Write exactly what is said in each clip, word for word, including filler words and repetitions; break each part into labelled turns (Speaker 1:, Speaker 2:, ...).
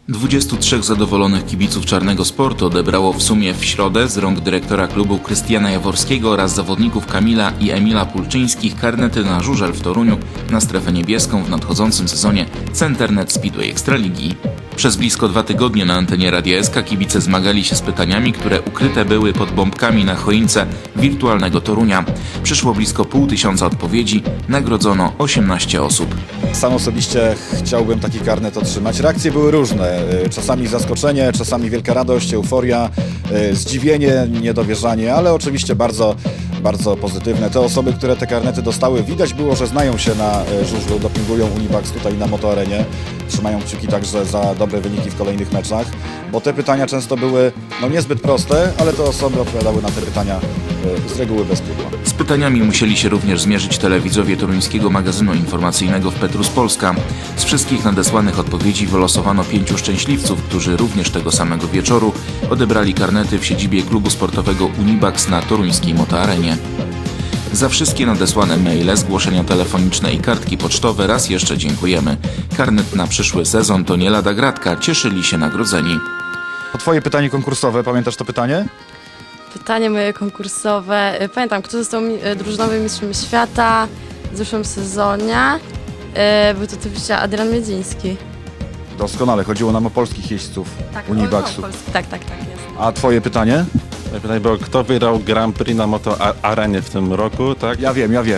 Speaker 1: dwudziestu trzech zadowolonych kibiców Czarnego Sportu odebrało w sumie w środę z rąk dyrektora klubu Krystiana Jaworskiego oraz zawodników Kamila i Emila Pulczyńskich karnety na żużel w Toruniu na strefę niebieską w nadchodzącym sezonie Centernet Speedway Ekstraligi. Przez blisko dwa tygodnie na antenie Radia S K kibice zmagali się z pytaniami, które ukryte były pod bombkami na choince wirtualnego Torunia. Przyszło blisko pół tysiąca odpowiedzi, nagrodzono osiemnaście osób.
Speaker 2: Sam osobiście chciałbym taki karnet otrzymać. Reakcje były różne. Czasami zaskoczenie, czasami wielka radość, euforia, zdziwienie, niedowierzanie, ale oczywiście bardzo, bardzo pozytywne. Te osoby, które te karnety dostały, widać było, że znają się na żużlu, dopingują Univax tutaj na Motoarenie. Trzymają kciuki także za dobre wyniki w kolejnych meczach, bo te pytania często były no, niezbyt proste, ale te osoby odpowiadały na te pytania z reguły bez pudła.
Speaker 1: Z pytaniami musieli się również zmierzyć telewidzowie toruńskiego magazynu informacyjnego w Petrus Polska. Z wszystkich nadesłanych odpowiedzi wylosowano pięciu szczęśliwców, którzy również tego samego wieczoru odebrali karnety w siedzibie klubu sportowego Univax na toruńskiej Motoarenie. Za wszystkie nadesłane maile, zgłoszenia telefoniczne i kartki pocztowe raz jeszcze dziękujemy. Karnet na przyszły sezon to nie lada gratka, cieszyli się nagrodzeni.
Speaker 2: Twoje pytanie konkursowe, pamiętasz to pytanie?
Speaker 3: Pytanie moje konkursowe. Pamiętam, kto został mi- drużynowym mistrzem świata w zeszłym sezonie. E, Był to oczywiście Adrian Miedziński.
Speaker 2: Doskonale, chodziło nam o polskich jeźdźców Univaxu.
Speaker 3: o, o, Polski. Tak, tak, tak jest.
Speaker 2: A twoje pytanie?
Speaker 4: Pytanie było, kto wygrał Grand Prix na Moto Arenie w tym roku, tak?
Speaker 2: Ja wiem, ja wiem.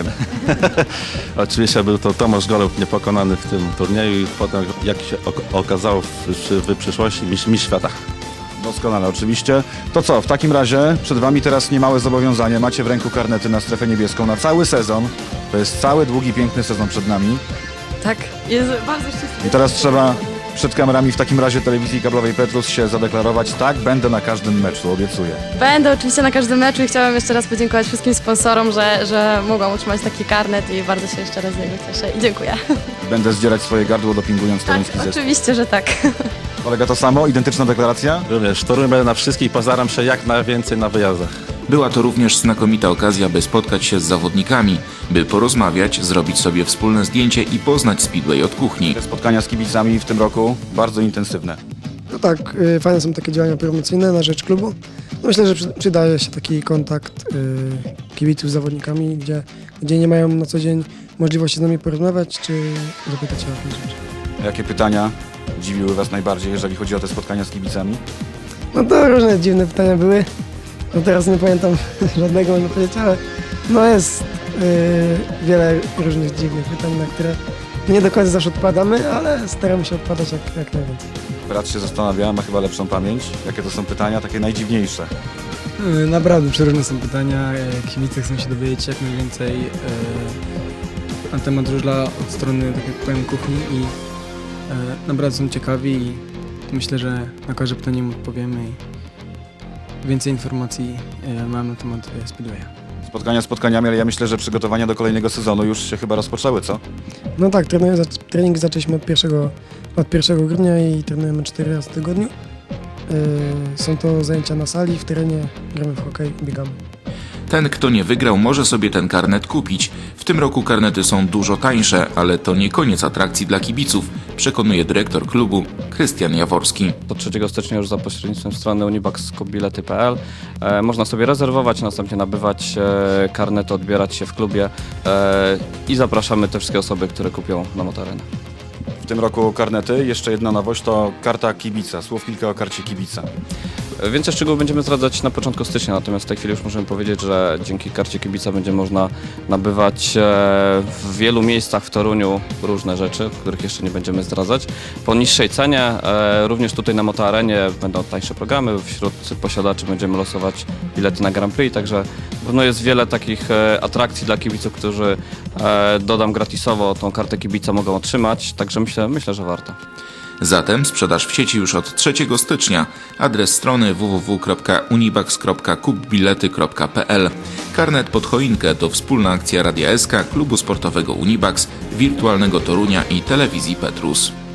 Speaker 4: Oczywiście był to Tomasz Golub niepokonany w tym turnieju i potem, jak się ok- okazało w, w, w przyszłości, mistrz, mistrz świata.
Speaker 2: Doskonale, oczywiście. To co, w takim razie przed wami teraz niemałe zobowiązanie. Macie w ręku karnety na strefę niebieską na cały sezon. To jest cały długi, piękny sezon przed nami.
Speaker 3: Tak, jest bardzo szczęśliwy.
Speaker 2: I teraz trzeba przed kamerami w takim razie telewizji kablowej Petrus się zadeklarować. Tak, będę na każdym meczu, obiecuję.
Speaker 3: Będę oczywiście na każdym meczu i chciałam jeszcze raz podziękować wszystkim sponsorom, że, że mogłam otrzymać taki karnet i bardzo się jeszcze raz z niego cieszę i dziękuję.
Speaker 2: Będę zdzierać swoje gardło, dopingując toruński
Speaker 3: Tak,
Speaker 2: zespół.
Speaker 3: oczywiście, że tak.
Speaker 2: Kolega to samo? Identyczna deklaracja?
Speaker 4: Również w Toruniu będę na wszystkich, postaram się jak najwięcej na wyjazdach.
Speaker 1: Była to również znakomita okazja, by spotkać się z zawodnikami, by porozmawiać, zrobić sobie wspólne zdjęcie i poznać Speedway od kuchni.
Speaker 2: Te spotkania z kibicami w tym roku bardzo intensywne.
Speaker 5: No tak, y, fajne są takie działania promocyjne na rzecz klubu. No myślę, że przy, przydaje się taki kontakt y, kibiców z zawodnikami, gdzie, gdzie nie mają na co dzień możliwości z nami porozmawiać, czy zapytać się o jakieś rzeczy.
Speaker 2: Jakie pytania dziwiły was najbardziej, jeżeli chodzi o te spotkania z kibicami?
Speaker 5: No to różne dziwne pytania były. No teraz nie pamiętam żadnego, mogę powiedzieć, ale no jest y, wiele różnych dziwnych pytań, na które nie do końca zawsze odpowiadamy, ale staramy się odpowiadać jak, jak najwięcej.
Speaker 2: Brat się zastanawia, ma chyba lepszą pamięć. Jakie to są pytania, takie najdziwniejsze?
Speaker 6: E, Naprawdę przeróżne są pytania. E, Kibice chcą się dowiedzieć jak najwięcej e, na temat żużla od strony, tak jak powiem, kuchni i e, naprawdę są ciekawi i myślę, że na każde pytanie im odpowiemy i więcej informacji e, mam na temat e, Speedwaya.
Speaker 2: Spotkania spotkaniami, ale ja myślę, że przygotowania do kolejnego sezonu już się chyba rozpoczęły, co?
Speaker 5: No tak, trenuję, zac- treningi zaczęliśmy od pierwszego, od pierwszego grudnia i trenujemy cztery razy w tygodniu. Y, są to zajęcia na sali, w terenie, gramy w hokej, biegamy.
Speaker 1: Ten, kto nie wygrał, może sobie ten karnet kupić. W tym roku karnety są dużo tańsze, ale to nie koniec atrakcji dla kibiców, przekonuje dyrektor klubu Krystian Jaworski.
Speaker 7: Do trzeciego stycznia już za pośrednictwem strony univax kropka bilety kropka p l e, można sobie rezerwować, następnie nabywać e, karnet, odbierać się w klubie e, i zapraszamy te wszystkie osoby, które kupią na Motoarenę.
Speaker 2: W tym roku karnety. Jeszcze jedna nowość to karta kibica. Słów kilka o karcie kibica.
Speaker 7: Więcej szczegółów będziemy zdradzać na początku stycznia, natomiast w tej chwili już możemy powiedzieć, że dzięki karcie kibica będzie można nabywać e, w wielu miejscach w Toruniu różne rzeczy, których jeszcze nie będziemy zdradzać. Po niższej cenie, e, również tutaj na Motoarenie będą tańsze programy, wśród posiadaczy będziemy losować bilety na Grand Prix, także na pewno jest wiele takich e, atrakcji dla kibiców, którzy e, dodam gratisowo tą kartę kibica mogą otrzymać, także myślę, myślę, że warto.
Speaker 1: Zatem sprzedaż w sieci już od trzeciego stycznia. Adres strony w w w kropka univax kropka kup bilety kropka p l. Karnet pod choinkę to wspólna akcja Radia S K, klubu sportowego Univax, wirtualnego Torunia i telewizji Petrus.